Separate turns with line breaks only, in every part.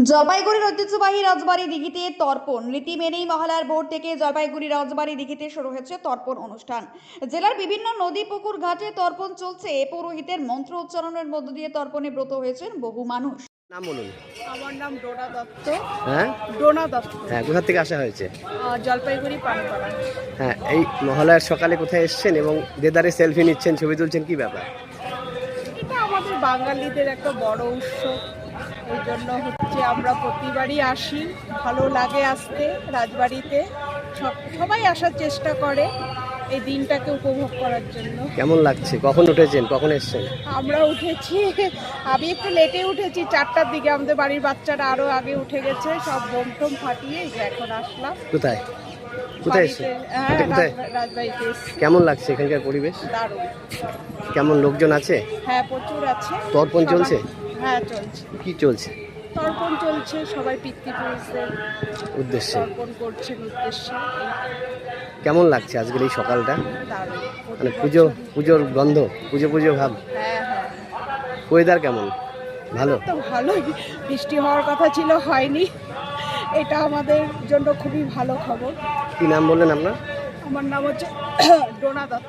জলপাইগুড়ির ঐতিহ্যবাহী রাজবাড়ী দিঘিতে তর্পণ রীতি মেনেই মহালয়ার ভোর থেকে জলপাইগুড়ি রাজবাড়ী দিঘিতে শুরু হয়েছে তর্পণ অনুষ্ঠান। জেলার বিভিন্ন নদী পুকুর ঘাটে তর্পণ চলছে। পুরোহিতের মন্ত্র উচ্চারণের মধ্য দিয়ে তর্পণে ব্রত হয়েছেন বহু মানুষ।
নাম বলুন।
আমার নাম ডোনা দত্ত।
হ্যাঁ,
ডোনা দত্ত।
হ্যাঁ, কোথা থেকে আসা হয়েছে?
জলপাইগুড়ি পানপাড়া।
হ্যাঁ, এই মহালয়ার সকালে কোথায় এসেছেন এবং দেদারে সেলফি নিচ্ছেন, ছবি তুলছেন, কি ব্যাপার?
এটা আমাদের বাঙালিদের একটা বড় উৎসব, এই জন্য হচ্ছে আমরা প্রতিবারই আসি। ভালো লাগে আসতে রাজবাড়িতে, সবাই আসার চেষ্টা করে এই দিনটাকে উপভোগ করার জন্য।
কেমন লাগছে? কখন উঠেছেন, কখন এসেছেন?
আমরা উঠেছি, আমি একটু লেটে উঠেছি 4টার দিকে। আমাদের বাড়ির বাচ্চারা আরও আগে উঠে গেছে, সব বোম টোম ফাটিয়ে এই যে এখন আসলাম।
কোথায় কোথায় এসেছেন?
হ্যাঁ,
কোথায়?
রাজবাড়িতে এসেছি।
কেমন লাগছে এখানকার পরিবেশ?
দারুণ।
কেমন লোকজন আছে?
হ্যাঁ, প্রচুর আছে।
তর্পণ
সবাই-
চলছে?
হ্যাঁ, চলছে।
কি চলছে?
তর্পণ চলছে, সবাই পিতৃপুরুষদের
উদ্দেশ্যে
তর্পণ করছেন উদ্দেশ্যে।
কেমন লাগছে আজকের এই সকালটা?
দারুণ।
মানে পুজোর গন্ধ, পুজো ভাব।
হ্যাঁ হ্যাঁ,
ওয়েদার কেমন? ভালো?
তো ভালোই। বৃষ্টি হওয়ার কথা ছিল, হয়নি। এটা আমাদের জন্য খুবই ভালো খবর।
কি নাম বললেন আপনার?
আমার নাম হচ্ছে ডোনা দত্ত।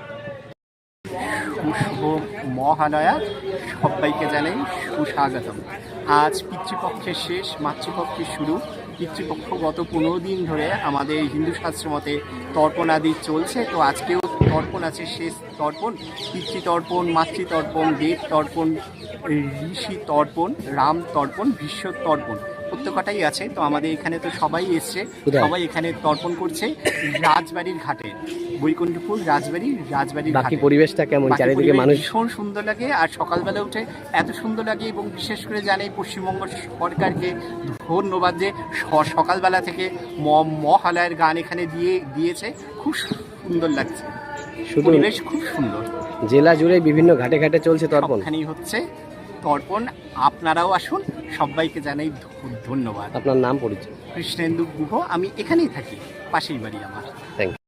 শুভ মহালয়া সবাইকে জানাই সুস্বাগতম। আজ পিতৃপক্ষের শেষ, মাতৃপক্ষের শুরু। পিতৃপক্ষ গত 15 দিন ধরে আমাদের হিন্দু শাস্ত্র মতে তর্পণ আদি চলছে। তো আজকেও তর্পণ আছে, শেষ তর্পণ। পিতৃতর্পণ, মাতৃতর্পণ, দেব তর্পণ, ঋষি তর্পণ, রাম তর্পণ, বিশ্ব তর্পণ, প্রত্যেকটাই আছে। তো আমাদের এখানে তো সবাই এসছে, সবাই এখানে তর্পণ করছে রাজবাড়ির ঘাটে, বৈকুণ্ঠপুর রাজবাড়ির
বাকি
ঘাটে।
পরিবেশটা কেমন?
বাকি
চারিদিকে
পরিবেশ
মানুষ?
ভীষণ সুন্দর লাগে। আর সকালবেলা উঠে এত সুন্দর লাগে, এবং বিশেষ করে জানি পশ্চিমবঙ্গ সরকারকে ধন্যবাদ যে সকালবেলা থেকে মহালয়ার গান এখানে দিয়েছে। খুব সুন্দর লাগছে,
শুধু
পরিবেশ খুব সুন্দর।
জেলা জুড়ে বিভিন্ন ঘাটে ঘাটে চলছে তর্পণ।
সবখানেই হচ্ছে তর্পণ। আপনারাও আসুন, সবাইকে জানাই ধন্যবাদ।
আপনার নাম, পরিচয়?
কৃষ্ণেন্দু গুহ, আমি এখানেই থাকি, পাশেই বাড়ি আমার।
Thank you.